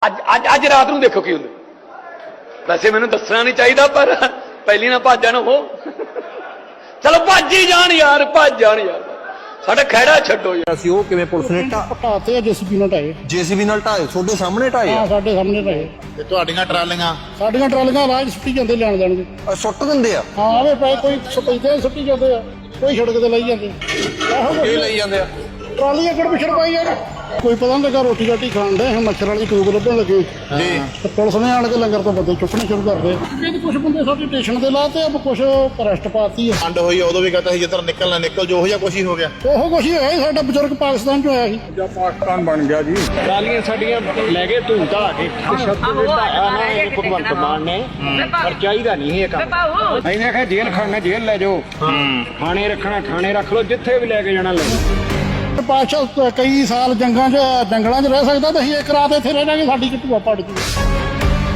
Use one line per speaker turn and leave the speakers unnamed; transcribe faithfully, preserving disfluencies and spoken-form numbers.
ਅੱਜ ਅੱਜ ਅੱਜ ਰਾਤ ਨੂੰ ਦੇਖੋ ਕੀ ਹੁੰਦਾ। ਵੈਸੇ ਮੈਨੂੰ ਦੱਸਣਾ ਨਹੀਂ ਚਾਹੀਦਾ ਪਰ ਪਹਿਲੀ ਨਾ ਭੱਜ ਜਾਣ ਉਹ। ਚਲੋ ਭੱਜ ਹੀ ਜਾਣ ਯਾਰ, ਭੱਜ ਜਾਣ ਯਾਰ, ਸਾਡਾ ਖਹਿੜਾ ਛੱਡੋ ਯਾਰ।
ਅਸੀਂ ਉਹ ਕਿਵੇਂ ਪੁਲਿਸ ਨੇ
ਢਾਤੇ ਆ ਜੇਸੀਬੀ ਨਾਲ ਢਾਏ।
ਜੇਸੀਬੀ ਨਾਲ ਢਾਏ? ਤੁਹਾਡੇ ਸਾਹਮਣੇ ਢਾਏ
ਹਾਂ
ਆ?
ਸਾਡੇ ਸਾਹਮਣੇ ਢਾਏ।
ਤੇ ਤੁਹਾਡੀਆਂ ਟਰਾਲੀਆਂ
ਸਾਡੀਆਂ ਟਰਾਲੀਆਂ ਰਾਜ ਸੁੱਟੀ ਜਾਂਦੇ ਲੈਣ ਦੇਣ ਦੇ।
ਅਹ ਸੁੱਟ ਦਿੰਦੇ ਆ?
ਹਾਂ ਆਵੇ ਪਏ ਕੋਈ ਸਪੈਦੇ ਸੁੱਟੀ ਜਾਂਦੇ ਆ, ਕੋਈ ਸੜਕ ਤੇ ਲਈ ਜਾਂਦੇ।
ਇਹ ਲਈ ਜਾਂਦੇ ਆ
ਟਰਾਲੀ ਅੱਗੜ ਪਿਛੜ ਪਾਈ ਯਾਰ, ਕੋਈ ਪਤਾ ਨਹੀਂ ਲੱਗਾ। ਰੋਟੀ ਰਾਟੀ ਖਾਣ ਦੇ ਮੱਛਰ ਵਾਲੀ ਟੂਬ ਲੱਭਣ ਲੱਗੇ
ਜੀ,
ਤੇ ਪੁਲਿਸ ਨੇ ਆਣ ਕੇ ਲੰਗਰ ਤੋਂ ਬੰਦੇ ਚੁੱਕਣੇ ਸ਼ੁਰੂ ਕਰ ਦੇ। ਇਹ ਕੁਝ ਬੰਦੇ ਸਾਡੇ ਸਟੇਸ਼ਨ ਤੇ ਲਾਤੇ, ਅਬ ਕੁਝ ਅਰੈਸਟ ਪਾਤੀ ਆ।
ਅੰਡ ਹੋਈ ਉਦੋਂ ਵੀ ਕਹਤਾ ਸੀ ਜਿੱਧਰ ਨਿਕਲਣਾ ਨਿਕਲ ਜੋ, ਉਹ ਜਿਹਾ ਕੁਛ ਹੀ ਹੋ ਗਿਆ।
ਉਹੋ ਕੁਛ ਹੀ ਹੋਇਆ ਸੀ। ਸਾਡਾ ਬਜ਼ੁਰਗ ਪਾਕਿਸਤਾਨ ਚ ਹੋਇਆ ਸੀ।
ਜਾਂ ਪਾਕਿਸਤਾਨ ਬਣ ਗਿਆ ਜੀ। ਟਰਾਲੀਆਂ ਸਾਡੀਆਂ ਲੈ ਗਏ ਧੂੰ ਧਾ ਕੇ ਸ਼ਬਦ ਦੇ ਢਾਇਆ ਨਾ ਇਹ ਭਗਵੰਤ ਮਾਨ ਨੇ, ਪਰ ਚਾਹੀਦਾ ਨਹੀਂ ਇਹ ਕੰਮ। ਅਸੀਂ ਆਖਿਆ ਜੇਲ੍ਹ ਖਾਣਾ ਜੇਲ੍ਹ ਲੈ ਜਾਓ, ਥਾਣੇ ਰੱਖਣਾ ਥਾਣੇ ਰੱਖ ਲਓ, ਜਿੱਥੇ ਵੀ ਲੈ ਕੇ ਜਾਣਾ ਲੈ ਜਾਓ।
ਪਾਸ਼ਾ ਕਈ ਸਾਲ ਜੰਗਾਂ 'ਚ ਜੰਗਲਾਂ 'ਚ ਰਹਿ ਸਕਦਾ ਤੇ ਅਸੀਂ ਇੱਕ ਰਾਤ ਇੱਥੇ ਰਹਿ ਜਾਾਂਗੇ, ਸਾਡੀ ਕਿੱਟੂਆ ਪੜ ਜੂ।